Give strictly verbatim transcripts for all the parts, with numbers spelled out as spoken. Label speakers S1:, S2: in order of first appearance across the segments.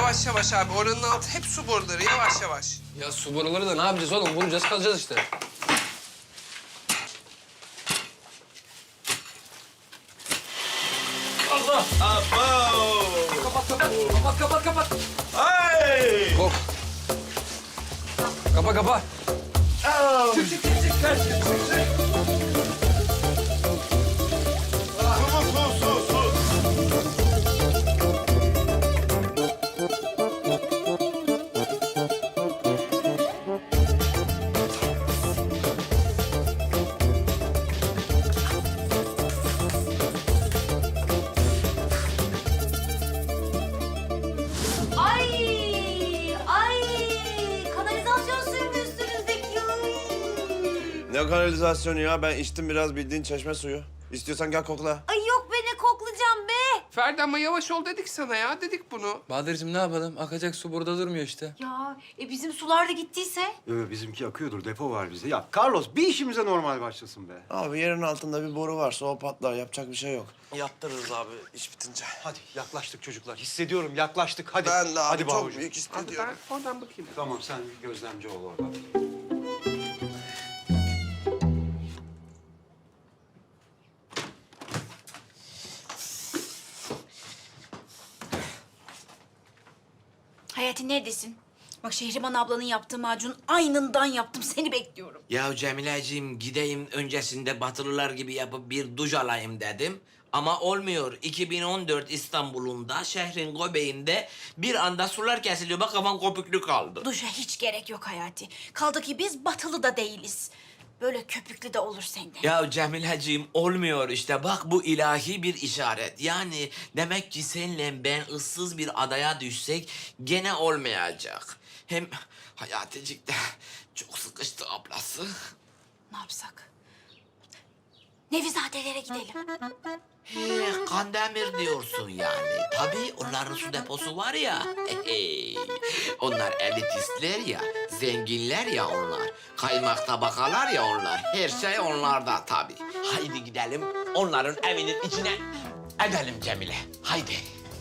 S1: Yavaş yavaş abi. Oranın altı hep su boruları. Yavaş yavaş.
S2: Ya su boruları da ne yapacağız oğlum? Vuracağız kalacağız işte. Allah!
S3: Abo!
S2: Kapat kapat. Kapat kapat kapat.
S3: Ay!
S2: Hop. Kapa kapa.
S3: Au!
S2: Çık çık çık çık. Ver, çık çık çık.
S3: Su, su, su, su.
S4: Ay, ay, kanalizasyon suyu mu üstünüzdeki?
S3: Ne kanalizasyonu ya? Ben içtim biraz bildiğin çeşme suyu. İstiyorsan gel kokla.
S4: Ay yok be, ne koklayacağım be.
S1: Ferdi ama yavaş ol dedik sana ya. Dedik bunu.
S2: Bahadır'cığım ne yapalım? Akacak su burada durmuyor işte.
S4: Ya e, bizim sular da gittiyse?
S5: Yo, bizimki akıyordur, depo var bizde. Ya Carlos, bir işimize normal başlasın be.
S3: Abi yerin altında bir boru varsa o patlar. Yapacak bir şey yok. Yaptırırız abi iş bitince.
S5: Hadi yaklaştık çocuklar. Hissediyorum yaklaştık. Hadi.
S3: Ben de abi
S5: Hadi
S3: çok
S5: Bahucuğum.
S3: büyük
S1: Abi
S3: hissediyorum.
S1: ben oradan bakayım.
S5: Tamam sen gözlemci ol orada.
S4: Hayati neredesin? Bak Şehriban ablanın yaptığı macun aynından yaptım. Seni bekliyorum.
S6: Ya Cemileciğim gideyim öncesinde Batılılar gibi yapıp bir duş alayım dedim. Ama olmuyor. iki bin on dört İstanbul'unda şehrin göbeğinde bir anda sular kesiliyor. Bak kafam kopüklü kaldı.
S4: Duşa hiç gerek yok Hayati. Kaldı ki biz batılı da değiliz. Böyle köpüklü de olur sende.
S6: Ya Cemileciğim olmuyor işte. Bak bu ilahi bir işaret. Yani demek ki senle ben ıssız bir adaya düşsek gene olmayacak. Hem Hayaticik de çok sıkıştı ablası.
S4: Ne yapsak? Nevizadelere gidelim.
S6: He, Kandemir diyorsun yani. Tabii onların su deposu var ya. Hey, onlar elitistler ya, zenginler ya onlar. Kaymak tabakalar ya onlar. Her şey onlarda tabii. Haydi gidelim onların evinin içine edelim Cemile. Haydi.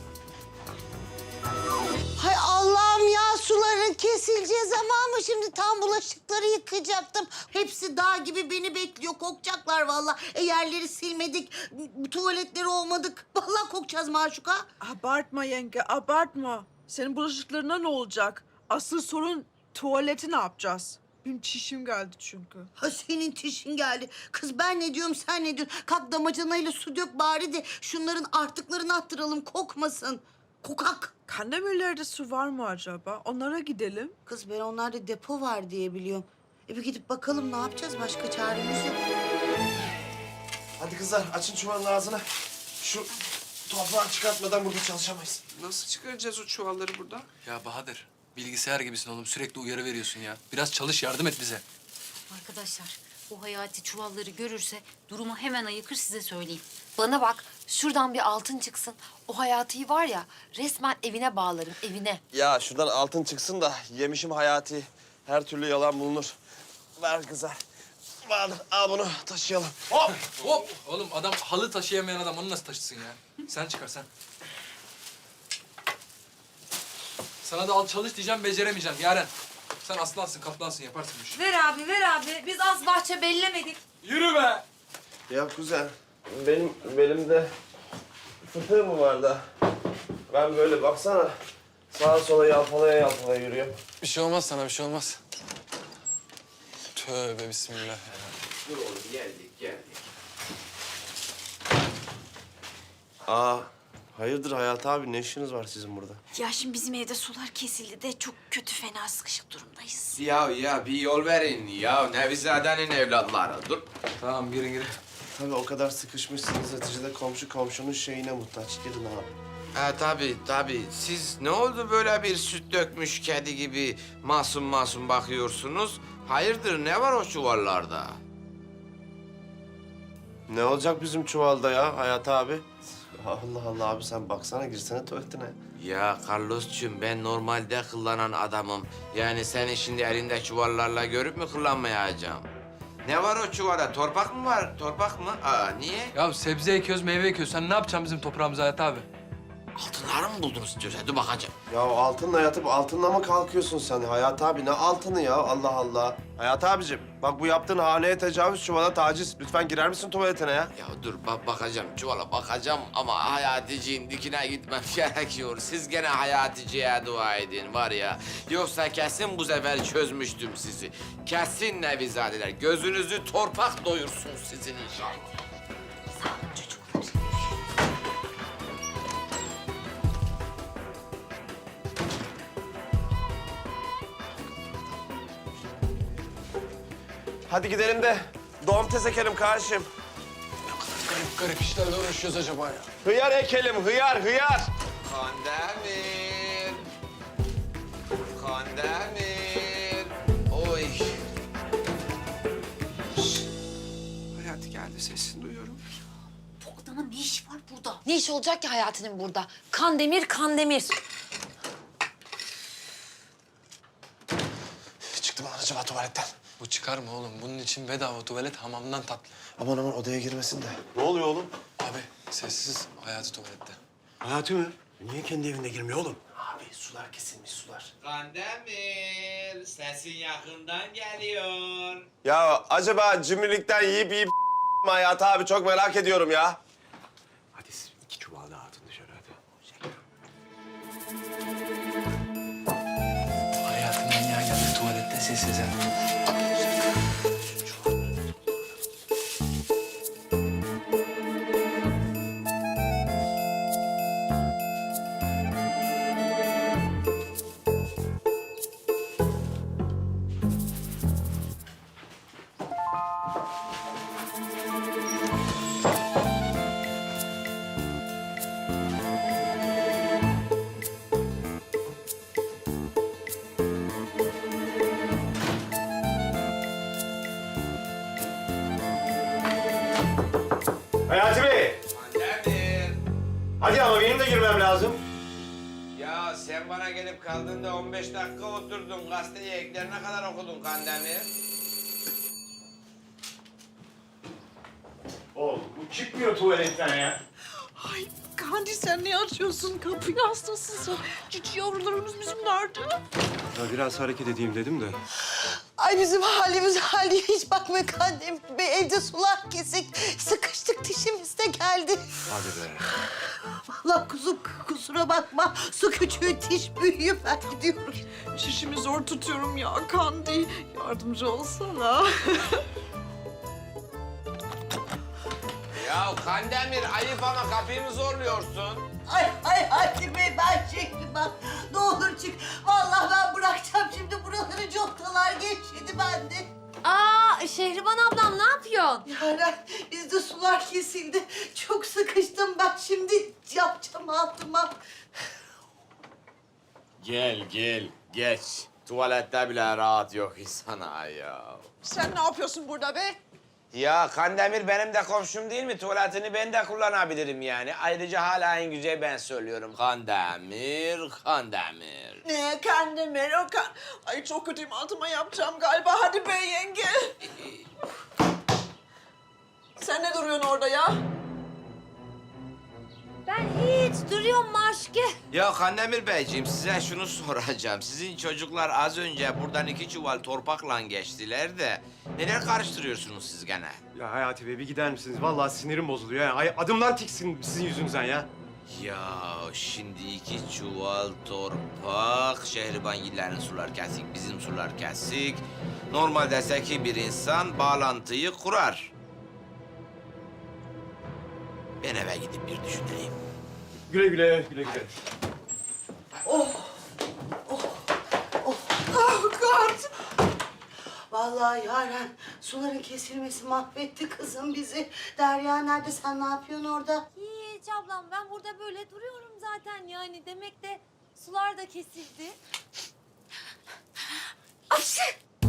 S7: Hay Allah'ım ya, suların kesileceği zaman mı şimdi? Tam bulaşıkları yıkayacaktım. Hepsi dağ gibi beni bekliyor. Kokacaklar vallahi. E, yerleri silmedik, tuvaletleri olmadık. Vallahi kokacağız Maşuka.
S8: Abartma yenge, abartma. Senin bulaşıklarına ne olacak? Asıl sorun tuvaleti ne yapacağız? Benim çişim geldi çünkü.
S7: Ha, senin tişin geldi. Kız ben ne diyorum, sen ne diyorsun? Kalk damacanayla su dök bari de şunların artıklarını attıralım, kokmasın. Kokak.
S8: Kandemirlerde su var mı acaba? Onlara gidelim.
S7: Kız ben onlarda depo var diye biliyorum. E bir gidip bakalım, ne yapacağız? Başka çaremiz yok.
S3: Hadi kızlar açın çuvalın ağzını. Şu toprağı çıkartmadan burada çalışamayız.
S1: Nasıl çıkaracağız o çuvalları buradan?
S2: Ya Bahadır, bilgisayar gibisin oğlum. Sürekli uyarı veriyorsun ya. Biraz çalış, yardım et bize.
S4: Arkadaşlar, bu Hayati çuvalları görürse durumu hemen ayıkır, size söyleyeyim. Bana bak, şuradan bir altın çıksın. O Hayati'yi var ya, resmen evine bağlarım, evine.
S3: Ya şuradan altın çıksın da yemişim Hayati. Her türlü yalan bulunur. Ver kızlar. Bahadır al bunu taşıyalım.
S2: Hop! Hop! Oğlum adam halı taşıyamayan adam onu nasıl taşısın ya? Sen çıkar sen. Sana da al çalış diyeceğim, beceremeyeceğim Yaren. Sen aslansın, kaplansın, yaparsın bu işi.
S4: Ver abi, ver abi. Biz az bahçe bellemedik.
S2: Yürü be!
S3: Ya kuzen benim belimde fıtığı mı var da? Ben böyle baksana sağa sola yalpalaya yalpalaya yürüyorum.
S2: Bir şey olmaz sana, bir şey olmaz. Tövbe bismillah.
S6: Dur oğlum geldik geldik.
S3: Aa hayırdır Hayati abi, ne işiniz var sizin burada?
S4: Ya şimdi bizim evde sular kesildi de çok kötü, fena sıkışık durumdayız.
S6: Ya ya bir yol verin ya Nevizade'nin evlatları. Dur.
S2: Tamam, girin girin.
S3: Tabii o kadar sıkışmışsınız, neticede komşu komşunun şeyine muhtaç. Gidin abi.
S6: Ha tabii tabii. Siz ne oldu böyle bir süt dökmüş kedi gibi masum masum bakıyorsunuz? Hayırdır ne var o çuvallarda?
S3: Ne olacak bizim çuvalda ya Hayati abi? Allah Allah abi, sen baksana, girsene tuvaletine.
S6: Ya Carlos'cum ben normalde kullanan adamım. Yani seni şimdi elinde çuvallarla görüp mü kullanmayacağım? Ne var o çuvalda? Torpak mı var? Torpak mı? Aa niye?
S2: Ya sebze ekiyoruz, meyve ekiyoruz. Sen ne yapacaksın bizim toprağımıza Hayat abi?
S6: Altınları mı buldunuz istiyorsan? Dur bakacağım.
S3: Ya altınla yatıp altınla mı kalkıyorsun sen Hayat abi? Ne altını ya Allah Allah. Hayat abicim bak bu yaptığın haneye tecavüz, çuvala taciz. Lütfen girer misin tuvaletine ya?
S6: Ya dur bak bakacağım çuvala bakacağım ama Hayaticiğin dikine gitmem gerekiyor. Siz gene Hayatici'ye dua edin var ya. Yoksa kesin bu sefer çözmüştüm sizi. Kesin Nevizadeler. Gözünüzü torpak doyursun sizin inşallah.
S4: Sağ olun çocuklar.
S3: Hadi gidelim de domates ekelim kardeşim.
S2: Garip garip işlerle uğraşıyoruz acaba ya.
S3: Hıyar ekelim, hıyar, hıyar.
S6: Kandemir. Kandemir. Oy.
S1: Hayati geldi sesini duyuyorum.
S4: Bu adamın ne işi var burada? Ne iş olacak ki Hayati'nin burada? Kandemir, Kandemir.
S3: Çıktı mı lan acaba tuvaletten?
S2: Bu çıkar mı oğlum? Bunun için bedava tuvalet hamamdan tatlı.
S3: Aman aman odaya girmesin de. Ne oluyor oğlum?
S2: Abi sessiz Hayati tuvalette.
S5: Hayati mi? Niye kendi evinde girmiyor oğlum?
S3: Abi sular kesilmiş sular.
S6: Kandemir. Sesin yakından geliyor.
S3: Ya acaba cimrilikten yiyip yiyip Hayat abi çok merak ediyorum ya.
S5: Hadi siz iki çuval daha atın dışarı hadi.
S2: Hayatım manyağı geldi tuvalette sessiz ha.
S5: Hayati Bey!
S6: Kandemir.
S5: Hadi ama benim de girmem lazım.
S6: Ya sen bana gelip kaldığında on beş dakika oturdun. Gazeteyi eklerine kadar okudun Kandemir.
S5: Oğlum bu çıkmıyor tuvaletten ya.
S8: Ay Kandi sen ne açıyorsun? Kapıyı hastasın sen. Cici yavrularımız bizim nerede?
S5: Ya biraz hareket edeyim dedim de.
S7: Ay bizim halimiz hali hiç bakma Kandemir Bey. Evde sular kesik. Sıkıştık dişimiz de geldi.
S5: Hadi be.
S7: Allah kuzum kusura bakma. Su küçüğü diş büyüğü ben gidiyorum.
S8: Şişimi zor tutuyorum ya Kandi. Yardımcı olsana.
S6: Ya Kandemir ayıp ama kapıyı mı zorluyorsun?
S7: Ay ay Hadi Bey ben şekli bak. Ne olur çık. Vallahi ben bırakacağım şimdi buraları contalar geçti bende.
S4: Aa, Şehriban ablam ne yapıyorsun?
S7: Yaren bizde sular kesildi. Çok sıkıştım ben şimdi yapacağım altıma.
S6: Gel gel geç. Tuvalette bile rahat yok insana ya.
S8: Sen ne yapıyorsun burada be?
S6: Ya Kandemir benim de komşum değil mi? Tuvaletini ben de kullanabilirim yani. Ayrıca hala en güzel ben söylüyorum. Kandemir, Kandemir.
S8: Ne Kandemir o kan... Ay çok kötüyüm altıma yapacağım galiba. Hadi be yenge. Sen ne duruyorsun orada ya?
S4: Ben hiç duruyorum Maşke.
S6: Ya Kandemir Beyciğim size şunu soracağım. Sizin çocuklar az önce buradan iki çuval torpakla geçtiler de... Neler karıştırıyorsunuz siz gene?
S5: Ya Hayati Bey bir gider misiniz? Vallahi sinirim bozuluyor ya. Ay, adımdan tiksin sizin yüzünüzden ya.
S6: Ya şimdi iki çuval torpak, Şehribangillerin sular kesik, bizim sular kesik. Normalde zeki bir insan bağlantıyı kurar. Ben eve gidip bir düşüneyim.
S5: Güle güle, güle güle.
S7: Oh God. Vallahi Yaren suların kesilmesi mahvetti kızım bizi. Derya nerede sen ne yapıyorsun orada?
S4: Hiç ablam ben burada böyle duruyorum zaten yani. Demek de sular da kesildi. Ayşe!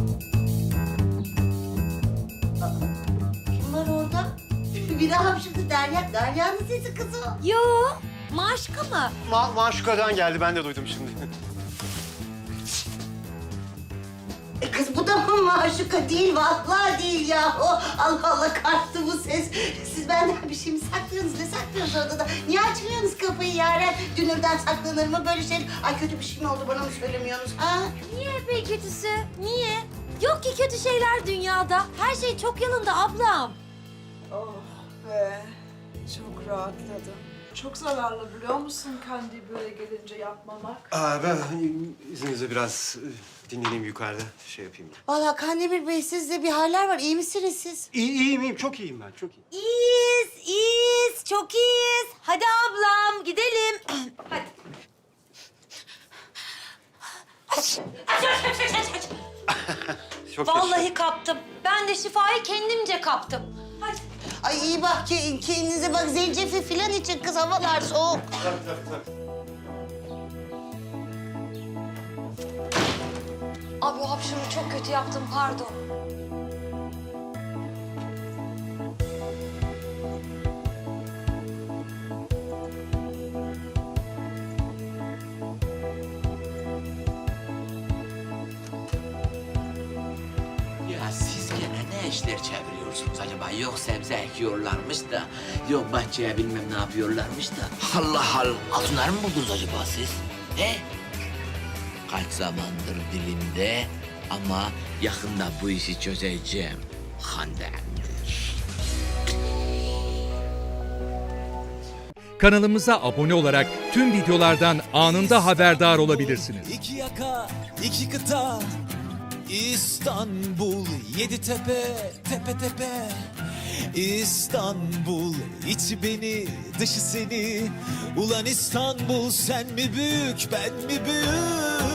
S7: Kim var orada? Biri hapşırdı Derya. Derya'nın sesi kızım.
S4: Yo, Maşka mı?
S5: Ma Maşuka'dan geldi, ben de duydum şimdi.
S7: E kız bu da mı maşuka değil? Vallahi değil ya. O Allah Allah kalktı bu ses. Siz benden bir şey mi saklıyorsunuz? Ne saklıyorsunuz? yapıyoruz odada? Niye açmıyorsunuz kapıyı Yaren? Dünürden saklanır mı böyle şey? Ay kötü bir şey mi oldu bana mı söylemiyorsunuz ha?
S4: Niye be kötüsü? Niye? Yok ki kötü şeyler dünyada. Her şey çok yanında ablam.
S8: Oh be. Çok rahatladım. Çok zararlı biliyor musun kendi böyle gelince yapmamak?
S5: Aa, ben izninizle biraz e, dinleneyim yukarıda. Şey yapayım.
S7: Vallahi Kandemir Bey sizde bir haller var. İyi misiniz siz?
S5: İyi, iyiyim, iyiyim. Çok iyiyim ben, çok iyiyim.
S4: İyiyiz, iyiyiz. Çok iyiyiz. Hadi ablam gidelim. Hadi.
S5: Çok
S4: Vallahi kaptım. Ben de şifayı kendimce kaptım. Hadi.
S7: Ay iyi bak ki kendinize bak zencefil falan için kız havalar soğuk.
S5: Tabii, tabii, tabii.
S4: Abi o hapşuruğu çok kötü yaptım, pardon.
S6: Ya siz gene ne işler çeviriyorsunuz acaba? Yok sebze ekiyorlarmış da, yok bahçeye bilmem ne yapıyorlarmış da. Allah Allah, altınları mı buldunuz acaba siz? He? Kaç zamandır dilimde ama yakında bu işi çözeceğim. Kandemir.
S9: Kanalımıza abone olarak tüm videolardan anında haberdar olabilirsiniz.
S10: İki yaka, iki kıta, İstanbul, yedi tepe, tepe tepe. İstanbul, içi beni, dışı seni. Ulan İstanbul, sen mi büyük, ben mi büyük?